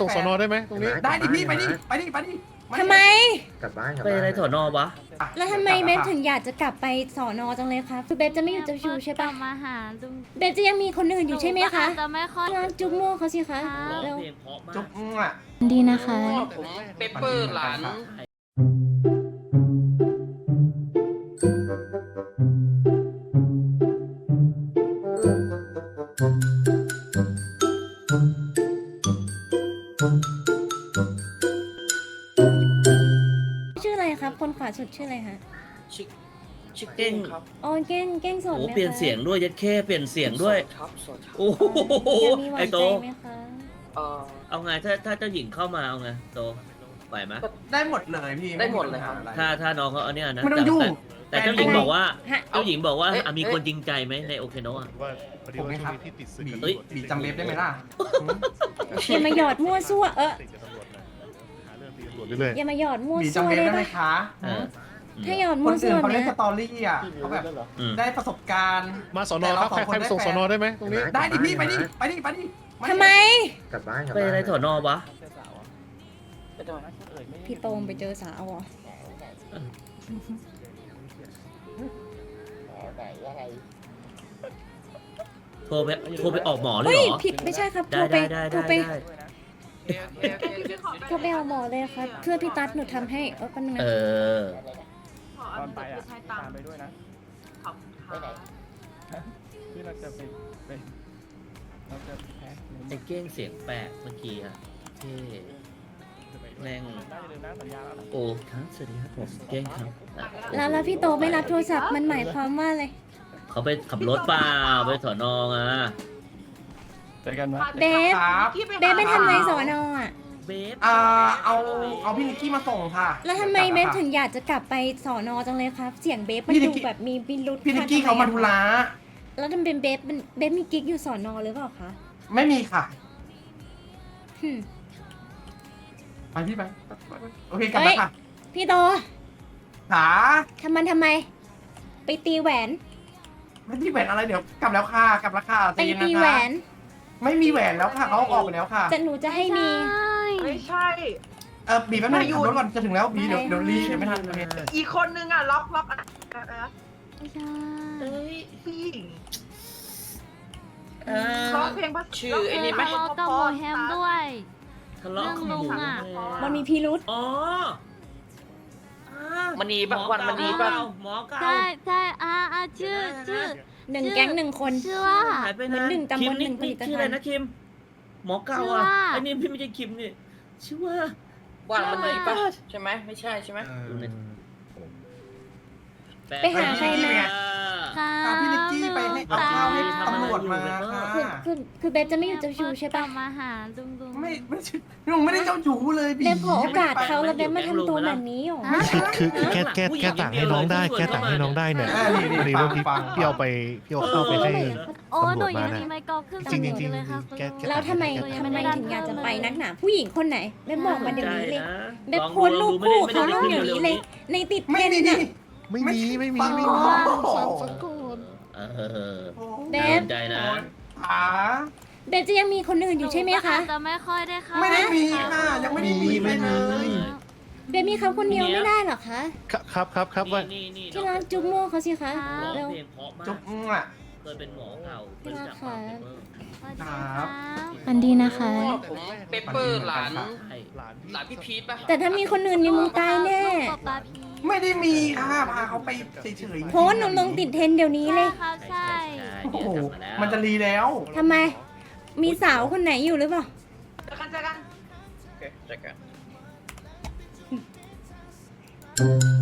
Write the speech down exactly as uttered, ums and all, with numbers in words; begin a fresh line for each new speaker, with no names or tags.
ส่งสอนอได้ไหมตรงนี้
ได้ดิพี่ไปดิไปดิไปดิ
ทำไม
กลับบ้านกลับ
ไป
บ้าน
อะไรสอนอวะ
แล้วทำไมเบฟถึงอยากจะกลับไปสอนอจังเลยคะคือเบฟจะไม่อยู่เจ้าชูใช่ปะ
มาหาดู
เบฟจะยังมีคนอื่นอยู่ใช่ไหมคะ
จะไม่ค่อย
ลองจุ๊บมั่วเขาสิคะ
ร้อง
เร็ว
เพลงเพราะมา
จุ๊
ก
บอ่ะ
ดีนะคะ
ผมเปเปอร์หลาน
ชื่ออะไรครับ คนขวาสุดชื่ออะไรคะ
ชิคชิค
เก้ง
ครับ
อ๋อเก้งเก้งสด
โอ้
ไหมคะ
เปลี่ยนเสียงด้วยยัดแค่เปลี่ยนเสียงด้วย
สครับสดครับ
โอ้โห
อยากมีหวา
ไอน โต
ใจไหมคะ
เอ่อ
เอาไงถ้าถ้าเจ้าหญิงเข้ามาเอาไงโตไหวไหม
ได้หมดเลยพี่
ได้หมดเลยครับ
ถ้าถ้าน้องเขาเอาเนี่ยนะ
ไม่ต้องยุ่ง
แต่แต่เจ้าหญิงบอกว่า
ฮะ
เจ้าหญิงบอกว่า
เอ๊ะ
อ่ะมีคนจริงใจไหมในโอเคโนะอะ
ว่าพอดีว่าช่วงนี้ที่ติดศึกกับ
บี
ตำรวจ
บีจำเล็บได้ไหมล่ะ
อย่ามาหยอดมั่วซั่วเออ
ติดกับตำรวจนะหาเรื่องตีตำรวจเรื่อย
อย่ามาหยอดมั่ว
บี
ซั่ว
จำเล็บ
ได้
ได้ไหม
ปะ
คะ
เออ
ถ้าหยอด
ค
มั่วน ซั่
อื่
วน
เขาเล่
เนี่
น
ย
สตอรี่อ่ะเขาแบบ
อืม
ได้ประสบการณ์
ๆมาสอนอครับใครใครไปส่งสอนอได้ไหมตรงนี้
ได้ดิพี่ไปดิไปดิไปดิ
ทำไม
กลับบ้านกลับ
ไป
บ้าน
อะไรสอนอวะ
ไปทำไม
พี่โตมไปเจอสาวเหรอ
โทรไปโทรไปออกหมอเลย
เฮ้ย
เหรอ
ผิดไม่ใช่ครับโท
ได้
รไป
ได้ได้
โทร
ได้
ไป
ได้
โทรไปเอาหมอเลยครับเพื่อพี่ตั๊ดหนูทำให้เออแป๊บนึง
เอ
นะ
อ
ตอนไปอ่ะตามไปด้วยนะไปไหนที่เราจะไปไปเราจะแพ้
ไอ้เก้งเสียงแปลกเมื่อกี้อะเท่แม่ง
ได้เลยนะสัญญาแล้วนะ
โอ้ครับสวัสดีครับผมเก้งครับอ่ะ
แล้วแล้วพี่โตไม่รับโทรศัพท์มันหมายความว่าอะไร
เขาไปขับรถเปล่าไปสอนออ่ะ
เจอกันไหม
เบฟ
ครับ
เบฟไปทำอะไรสอนออ่ะ
เบฟ
อ่าเอาเอาพี่นิกกี้มาส่งค่ะ
แล้วทำไมเบฟถึงอยากจะกลับไปสอนอจังเลยครับ เสียงเบฟมัน
พี่นิ
ดู
กกี้
แบบมีพิรุษ
พี่นิกกี้เขามาธุระ
แล้วทำเป็นเบฟมันเบฟมีกิ๊กอยู่สอนอหรือเปล่าคะ
ไม่มีค่ะ
หึ
ไปพี่ไปโอเคกลับมาค่ะ
พี่โต
ขา
ทำมันทำไม ไปตีแหวน
ไม่ที่แหวนอะไรเดี๋ยวกลับแล้วค่ะกลับแล้วค่ะ
ไป
ใจเย็น
ตี
นะ
แหว
คะ
น
ไม่มีแหวนแล้วค่ะเขาเอาออกไปแล้วค่ะ
แต่หนูจะให้มี
ไม่ใช่
เออบีแป๊บนึงขับรถก่อนจะถึงแล้วบีเดี๋ยวเดี๋ยวรีเดี๋ยวไม่ทันโอเค
อีกคนนึงอ่ะล็อกล็อกอะไรนะ
ไม่ใช่
เอ้ยพี่
เออ
ร้องเพลงภาษาชื่อไอ้นี่ไหม
ทะเลาะกับหมอแฮมด้วย
ทะเลาะกับหมู
เรื่องลุงอะ
มันมีพิรุษ
อ๋อ
มันนีแบบวันมันนีแบบ
หมอเก่า
ใช่ใช่อ่าอ่าชื่อชื่อ
หนึ่งแก๊งหนึ่งคน
ชื่อว่า
หายไป
เหมื
นะ
อนหนึ่งตำบล
คิม
หนึ่งผลิตภัณฑ์
ชื่ออะไรนะคิมหมอเก่า
ชื่อ
อ่ะ
ว่า
ไอ้นี่พี่ไม่ใช่คิมนี่ชื่อว่า
วันมันนีปะใช่ไหมไม่ใช่ใช่ไหม
ไปหาใครมา
ค่ะ
พาพี่นิกกี้ไปให้เอาข้าวให้ตำรวจมาค่ะ
คือคือคือเบฟจะไม่อยู่เจ้าชูใช่
กลั
ปะ
บมาหาดุงดุง
ไม่ไม่ใช่ลุงไม่ได้เจ้าชู้เลยบี
เบฟขอโอกาสเขาแล้วเบฟมาทำตัวแบบนี้หรอ
คือคือคือแก้แก้แก้ต่างให้น้องได้แก้ต่างให้น้องได้เนี่ย
อ่านี่
พอดี
ฟั
ว่าง พี่
ฟัง
พี่เอาไปพี่เอาเข้าไปให้
โอ้
ตำรวจ
หนูยัง
มา
มี
น่ะ
ไมค์กอล์ฟขึ้น
จริงๆจริงๆ
เลยค่ะ
แกแก
แล้วทำไมทำไมถึงอยากจะไปนักหนาผู้หญิงคนไหนเบฟบอกมาเดี๋ยวนี้เลยเบฟโพสต์รูปคู่เขาเดี๋ยวนี้เลย ในติดเท
ไม่
รน
มี
ด์
นี่
น่ะ
ไม่มีไม่มี
ฟัง
ไม่
ก่
มี
อน
ฟังฟังก่อน
เออ
เบฟ
ใจนะ
ขา
เบฟจะยังมีคนอื่นอยู่ใช่ไหมคะ
จะไม่ค่อยได้ค่ะ
ไม่ได้มีค่ะยังไม่ได้มีไปเลย
เบฟมีเขาคนเดียวไม่ได้เหรอคะ
ครับครับครับว่า
นี่นี่
ที่ร้านจุ๊บมั่วเขาสิคะ
ร้อง
เร็ว
เพลงเพราะมาก
จุ๊บอ่ะ
เคยเป็นหมอเก่าเคยจับ
ค่ะ
มาเปเปอร์
สวัสดีค่ะ
อันดีนะคะ
ผมเปเปอร์หลาน
ใช่
หลาน
หลานพี่พีทปะ
แต่ถ้ามีคนอื่นนี่มึงตายแน่
ป๊าป๊าพี
ไม่ได้มีค่ะพาเขาไปเฉยๆ
โพสต์หนูลงติดเทรนด์เดี๋ยวนี้เลย
ครับใช่
โอ้โห
เนี่ย
มันจะรีแล้ว
ทำไม มีสาวคนไหนอยู่หรือเปล่า
เจอกันเจอกันโอเคเจอกัน